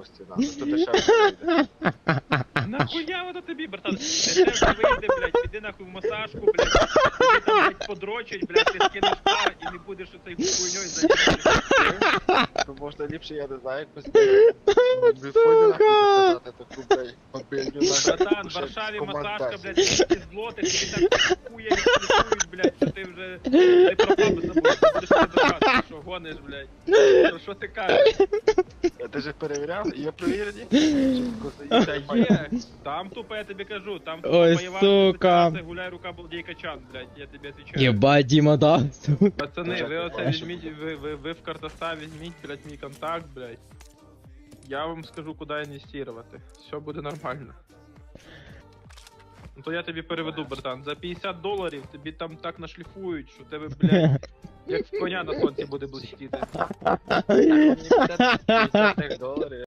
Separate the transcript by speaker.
Speaker 1: гості, нахуй, то дешевше вийде.
Speaker 2: Нахуя воно тобі, братан? Дешевше вийде, блядь, піди нахуй в масажку, блядь, тобі там, блядь, подрочать, блядь, ти скинеш пар і не будеш оцей хуйньою займатися.
Speaker 1: То можна ліпше, я не знаю, якось біфоні нахуй заказати таку, блядь, мобільню нахуй.
Speaker 2: Братан, в Варшаві масажка, блядь, 200 злотих, тобі так хуя відслідкують, блядь, що ти вже не про бабу забув, ти будеш ти доказувати, що гониш, блядь. Що ти кажеш?
Speaker 1: Ти ж перевіряв? Є перевірені?
Speaker 2: Та є, там тупо, я тобі кажу, там
Speaker 3: Ой,
Speaker 2: тупо
Speaker 3: сука.
Speaker 2: гуляй рука балдей качан, блядь, я тобі отвечаю.
Speaker 3: Єбать, Діма, да, сука.
Speaker 2: Пацани, ви оце візьміть, ви в картоста візьміть, блядь, мій контакт, блядь. Я вам скажу, куди інвестувати. Все буде нормально. Ну то я тобі переведу, братан. За $50 тобі там так нашліфують, що тебе, блядь, як в коня на сонці буде блистіти.
Speaker 1: $50 доларів.